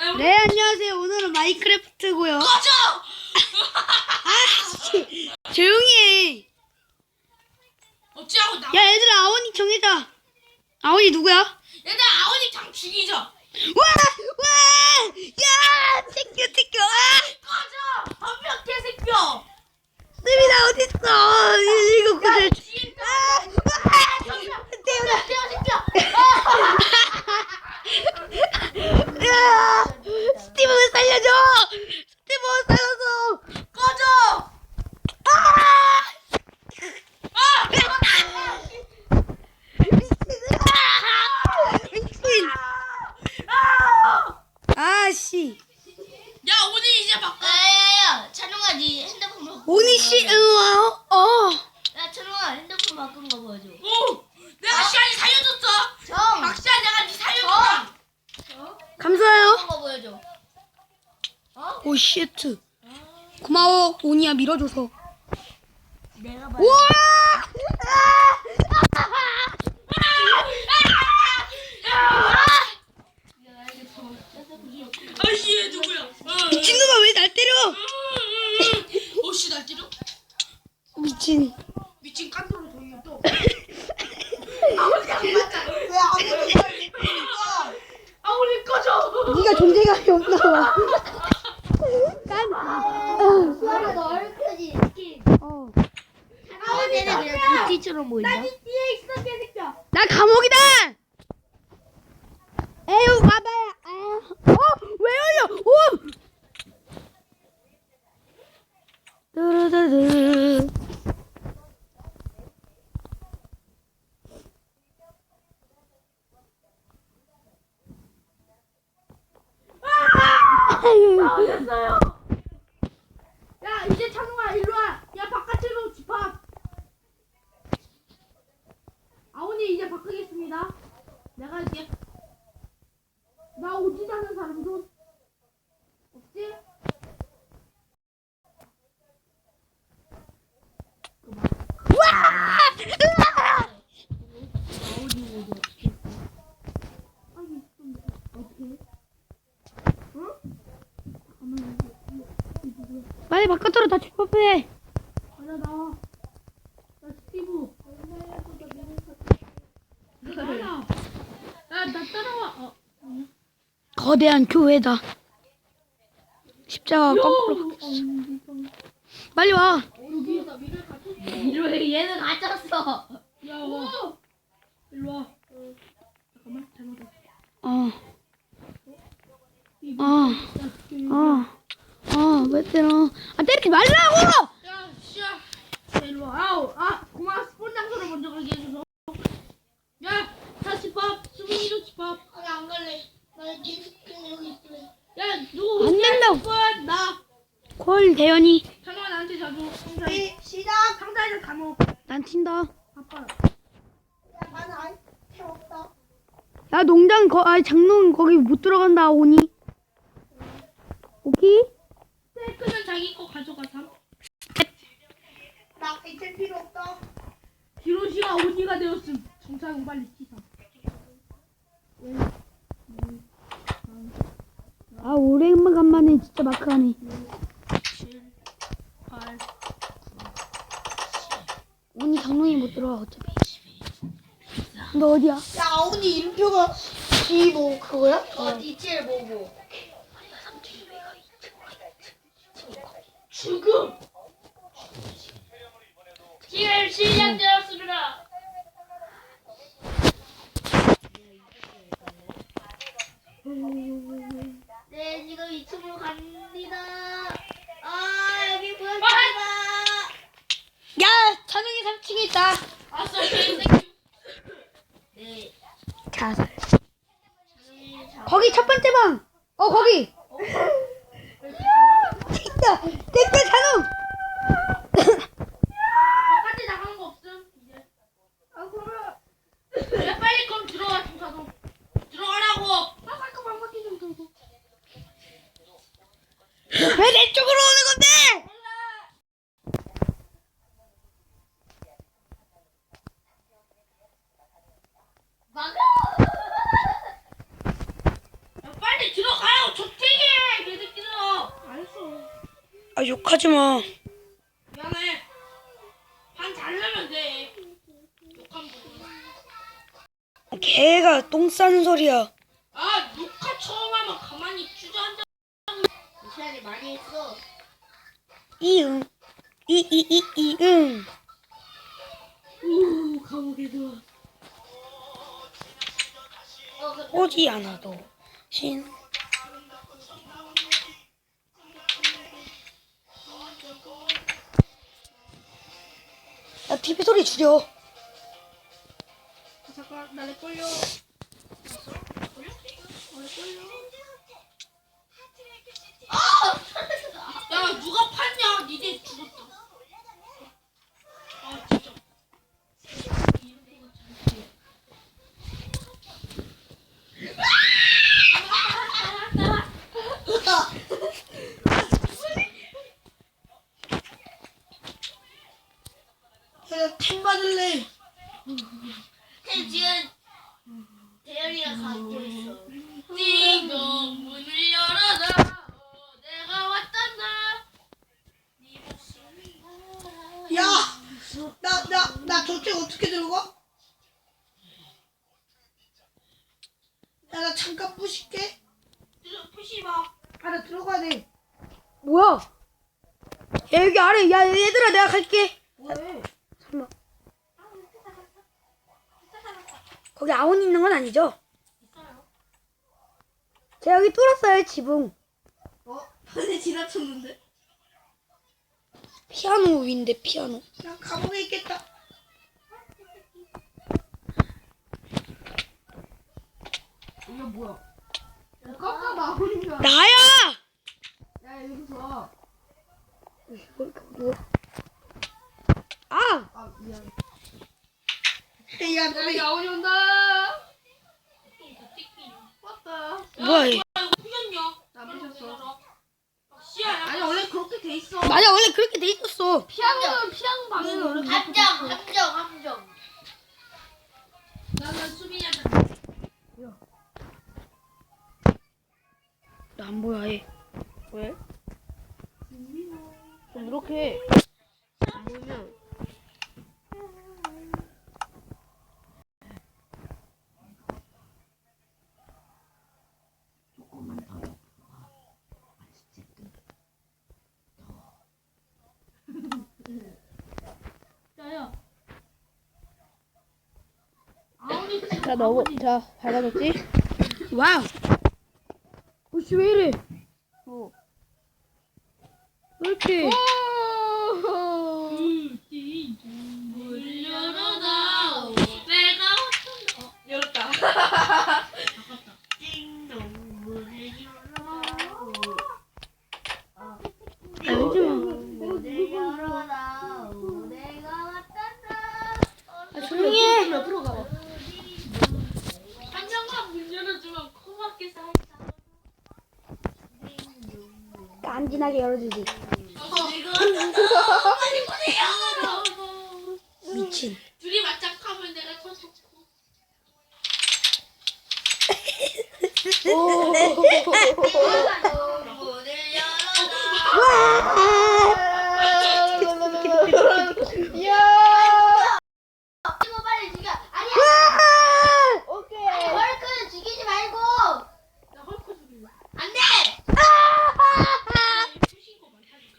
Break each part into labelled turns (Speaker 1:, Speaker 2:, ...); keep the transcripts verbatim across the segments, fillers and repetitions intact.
Speaker 1: 네, 안녕하세요. 오늘은 마인크래프트고요.
Speaker 2: 꺼져!
Speaker 1: 아씨, 조용히 해.
Speaker 2: 어찌하고 나?
Speaker 1: 야, 얘들아, 아원이 정해자. 아원이 누구야?
Speaker 2: 얘들아 아버님 장 죽이죠.
Speaker 1: 와, 와, 야, 새끼, 새끼, 아,
Speaker 2: 꺼져! 한명 개새끼야.
Speaker 1: 쌤이 나 어디 있어? 이거 그래. 아, 와, 태어나.
Speaker 2: 개새끼야.
Speaker 1: 야, 스티븐을 살려줘. 스티븐 살려줘.
Speaker 2: 꺼져!
Speaker 1: 아,
Speaker 2: 아!
Speaker 1: 미친.
Speaker 2: 아!
Speaker 1: 아씨.
Speaker 2: 야 오늘 이제 바꿔.
Speaker 3: 야야야 찬웅아 니 핸드폰 바꾼
Speaker 1: 오니 씨, 어, 어.
Speaker 3: 야 찬웅아 핸드폰 바꾼 거 보여줘.
Speaker 2: 오! 내가 시안이 살려줬어.
Speaker 3: 정!
Speaker 2: 박시아 내가 니 살려줬어.
Speaker 3: 어?
Speaker 1: 감사해요.
Speaker 3: 바꾼 거 보여줘. 어?
Speaker 1: 오, 쉣. 고마워, 오니야, 밀어줘서.
Speaker 3: 내가 봐.
Speaker 1: 우와!
Speaker 2: 아씨 얘 누구야?
Speaker 1: 미친놈아, 왜 날 때려?
Speaker 2: 어씨 날 때려?
Speaker 1: 미친.
Speaker 2: 미친 깐돌로 돌려 또. 아우리 꺼져.
Speaker 1: 네가 존재감이 없나 봐. 깐.
Speaker 3: 수아라 너 얼큰이 스킨.
Speaker 1: 어.
Speaker 3: 아 얘네 그냥 도티처럼 보인다.
Speaker 2: 뒤에 있어 개새끼야.
Speaker 1: 나 감옥이다. 에휴, 봐봐요. 아. 어, 왜 열려? 오. 뚜루두두.
Speaker 2: 나오셨어요. 야 이제 찬웅아 일로 와. 야 바깥으로 집합. 아오니 이제 바꾸겠습니다. 내가 할게. 나 오지 않는 사람 좀 없지?
Speaker 1: 와!
Speaker 2: 아오니 오지 어떻게? 아니 좀 어떻게? 응?
Speaker 1: 빨리 바깥으로 다 집합해.
Speaker 2: 가자 나와. 나 스티브. 따라. 야나 따라와. 어.
Speaker 1: 거대한 교회다. 십자가 거꾸로 박혔어. 빨리 와.
Speaker 2: 여기에다 미를 갖췄어.
Speaker 3: 이러 얘는 갇혔어.
Speaker 2: 야 와. 일로 와. 잠깐만 잘못했어.
Speaker 1: 어.
Speaker 2: 이거.
Speaker 1: 어.
Speaker 2: 야, 이거.
Speaker 1: 어. 어, 왜 때려? 아, 때리지 말라고!
Speaker 2: 야, 씨야. 야, 일로 와. 아우, 아, 고마워. 스폰 장소를 먼저 가게 해줘서. 야, 다 집합. 수민이도 집합.
Speaker 3: 아니 안 갈래. 나네 스킨 여기 있을래.
Speaker 2: 야, 누구?
Speaker 1: 안 된다고.
Speaker 2: 스폰 나.
Speaker 1: 콜, 대현이.
Speaker 2: 찬호아 나한테 자주. 상자.
Speaker 3: 시작.
Speaker 2: 상자에서 감옥.
Speaker 1: 난 튄다.
Speaker 2: 아빠.
Speaker 3: 야 나는 아이템 없다.
Speaker 1: 야, 농장, 거, 아, 장롱 거기 못 들어간다, 오니. 오케이?
Speaker 2: 스테이크는 자기 거 가져가삼.
Speaker 3: 나 아이템 필요 없다.
Speaker 2: 히로시가 오니가 되었음. 정상은 빨리 치삼.
Speaker 1: 아, 오랜만에 진짜 마크하네.
Speaker 2: 칠, 팔,
Speaker 1: 오니 장롱이 못 들어가, 어차피. 너 어디야?
Speaker 3: 야 아우니 이름표가 십오 그거야? 어 이칠오구.
Speaker 2: 죽음. 기회 시작되었습니다.
Speaker 3: 네 지금 이 층으로 갑니다. 아 여기 보였습니다.
Speaker 1: 야, 장롱이 삼 층에 있다.
Speaker 2: 아싸 개새끼.
Speaker 3: 네.
Speaker 1: 자살.
Speaker 3: 저기 자-
Speaker 1: 거기 첫 번째 방. 어, 거기. 됐다. 됐다, 장롱.
Speaker 2: 바깥에 나가는 거 없음 이제. 아 그러면. 야 빨리 그럼 들어와 중사도. 들어가라고. 아 잠깐 방바퀴 좀 들고.
Speaker 1: 왜 내 쪽으로 오는 건데?
Speaker 3: 막아.
Speaker 2: 야, 빨리 들어가요. 좋대.
Speaker 1: 아 욕하지 마.
Speaker 2: 미안해. 반 자르면 돼. 욕한 거.
Speaker 1: 개가 똥 싸는 소리야.
Speaker 2: 아 녹화 처음 하면 가만히 주저앉아.
Speaker 3: 이 시간에 많이 했어.
Speaker 1: 이응. 이이이 이응.
Speaker 2: 오 감옥에 들어.
Speaker 3: 어, 그,
Speaker 1: 오지 않아도 신. 야 티비 소리 줄여.
Speaker 2: 아, 잠깐 나내 걸려. 야 누가 팠냐? 니네 죽었다. 아 진짜.
Speaker 1: 나팀 받을래.
Speaker 3: 태 지금 대열이가 가고 있어.
Speaker 2: 띵동 문을 열어라. 어, 내가 왔단다.
Speaker 4: 야, 나, 나, 나 저쪽 어떻게 들어가? 야, 나 잠깐 부실게.
Speaker 2: 들어 푸시 마.
Speaker 4: 아, 나 들어가야 돼.
Speaker 1: 뭐야? 야 여기 아래. 야 얘들아 내가 갈게.
Speaker 4: 뭐해?
Speaker 1: 잠깐만. 거기 아온 있는 건 아니죠? 제가 여기 뚫었어요 지붕.
Speaker 4: 어? 반에 지나쳤는데?
Speaker 1: 피아노 위인데 피아노.
Speaker 4: 나 감옥에 있겠다.
Speaker 2: 이거 뭐야? 야, 깜짝 나오는 줄 알아.
Speaker 1: 나야.
Speaker 2: 야 여기서.
Speaker 1: 아
Speaker 2: 아 미안.
Speaker 4: 야,
Speaker 2: 야
Speaker 4: 너네
Speaker 2: 야온이 온다. 왔다.
Speaker 1: 뭐야 얘.
Speaker 2: 이거 풀렸냐? 나 풀렸어. 씨야. 아니 원래 그렇게 돼 있어.
Speaker 1: 맞아 원래 그렇게 돼 있었어.
Speaker 2: 피아노는 피아노 방에는 원래
Speaker 3: 함정, 함정, 함정.
Speaker 2: 나는 수빈이한테.
Speaker 1: 나 안 보여 얘.
Speaker 2: 왜? 좀 이렇게 안 보이면. 야야. 아우니
Speaker 5: 자, 너무, 자, 밝아졌지?
Speaker 1: 와우. 어씨 왜 이래?
Speaker 5: 어.
Speaker 1: 왜 이렇게?
Speaker 2: 문 열어다. 내가 왔다. 열었다.
Speaker 3: 띵동 문을 열어라.
Speaker 1: 아 울지 마.
Speaker 3: 문을 열어라. 내가 왔단다.
Speaker 1: 아 조용히 해.
Speaker 2: 옆으로 가봐. 한 명만 문 열어주면 코막게 살짝.
Speaker 1: 깐진하게 열어주지.
Speaker 2: 빨리 보내요.
Speaker 1: 미친.
Speaker 2: 둘이 맞짱하면 내가 더 좋고.
Speaker 3: 문을 열어라. 이거 빨리 죽여. 아니야.
Speaker 5: 오케이.
Speaker 3: 아니, 헐크는 죽이지 말고.
Speaker 2: 나 헐크 죽일래.
Speaker 3: 안 돼.
Speaker 2: 푸신 거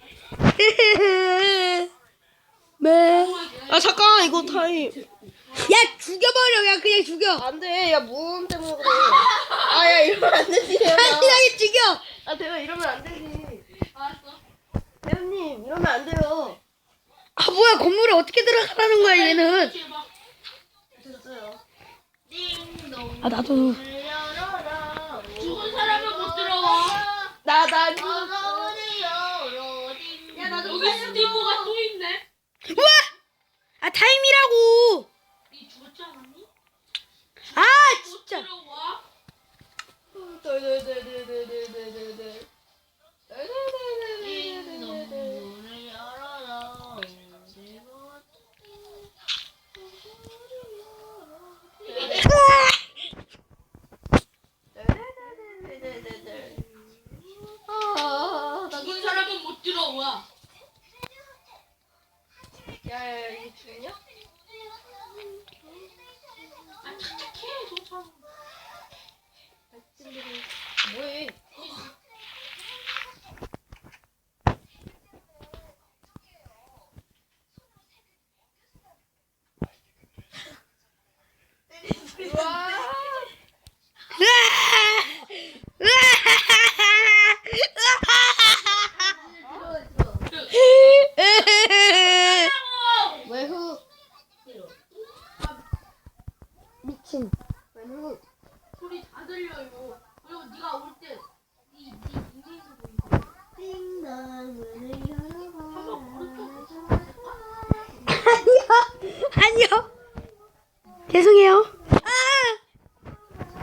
Speaker 2: 많다니까.
Speaker 1: 매.
Speaker 5: 아, 잠깐, 이거 타임.
Speaker 1: 야 죽여버려. 야 그냥 죽여.
Speaker 5: 안 돼. 야, 무음 때문에 그래. 아, 야, 이러면 안 되지, 대현아.
Speaker 1: 깐진하게 죽여.
Speaker 5: 아, 대현, 이러면 안 되지.
Speaker 2: 알았어.
Speaker 5: 대현님, 이러면 안 돼요.
Speaker 1: 아 뭐야 건물에 어떻게 들어가라는 거야 얘는.
Speaker 2: 해봐.
Speaker 5: 됐어요.
Speaker 3: 띵동.
Speaker 1: 아 나도.
Speaker 3: 문을 열어라.
Speaker 2: 죽은 사람은 못 들어와.
Speaker 5: 나, 나,
Speaker 3: 어서 문을 열어. 띵동.
Speaker 2: 야 나도 여기 스티브가 또 있네.
Speaker 1: 우와. 아 타임이라고.
Speaker 2: 니 죽었지 않았니?
Speaker 1: 아
Speaker 2: 못
Speaker 1: 진짜.
Speaker 2: 들어와.
Speaker 5: 덜덜덜덜덜덜덜덜.
Speaker 3: 띵동. 문을 열어라. 내가
Speaker 5: 덜덜덜덜덜. 아, 나
Speaker 2: 죽은 사람은 못 들어와. 어 뭐야?
Speaker 5: 야야야 이게 죽냐?
Speaker 2: 아 착착해 조차.
Speaker 5: 뭐해? 외후 미친 외후
Speaker 2: 소리 다 들려 이거. 그리고 네가 올 때 네 네 닉네임도 보이고. 한번 오른쪽
Speaker 1: 아니요. 아니요. 죄송해요. 아!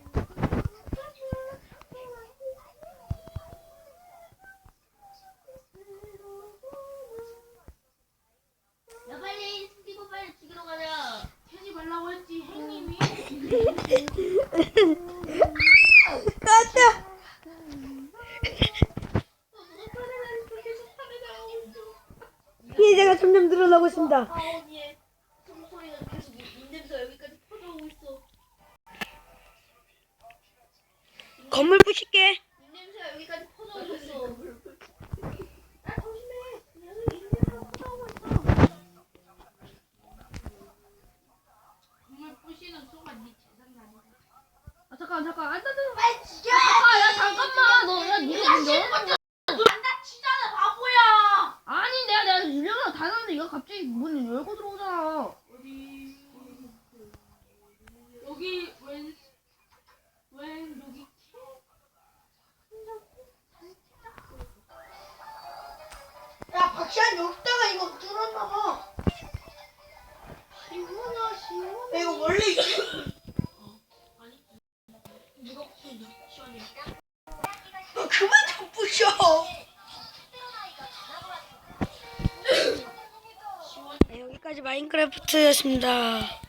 Speaker 3: 야 빨리 스티브 빨리 죽이러 가자.
Speaker 2: 괜히 말라고 했지 행님이.
Speaker 1: 맞다. 피해자가 점점 늘어나고 있습니다.
Speaker 3: 하원이의 숨소리가 계속 입냄새 여기까지 퍼져오고 있어.
Speaker 1: 건물 부실게.
Speaker 3: 입냄새가 여기까지 퍼져오고 있어. 아 조심해. 여기 입냄새가 퍼져오고 있어.
Speaker 2: 정말 부시는 순간 네 재산이 아니다.
Speaker 5: 아 잠깐 잠깐 안 닫아
Speaker 3: 빨리 죽여.
Speaker 5: 아야 잠깐만 너야 니가 문 열어?
Speaker 2: 안 다치잖아 바보야.
Speaker 5: 아니 내가 내가 유령이랑 다녔는데 얘가 갑자기 문 열고 들어오잖아.
Speaker 2: 어디 여기 왼 왼 여기
Speaker 4: 야 박시환 여기다가 이거 뚫었나봐.
Speaker 3: 시원하 시원.
Speaker 4: 이거 원래 있지?
Speaker 2: 아니 누가 부신 시원해.
Speaker 4: 너 그만 좀 부셔.
Speaker 1: 네, 여기까지 마인크래프트였습니다.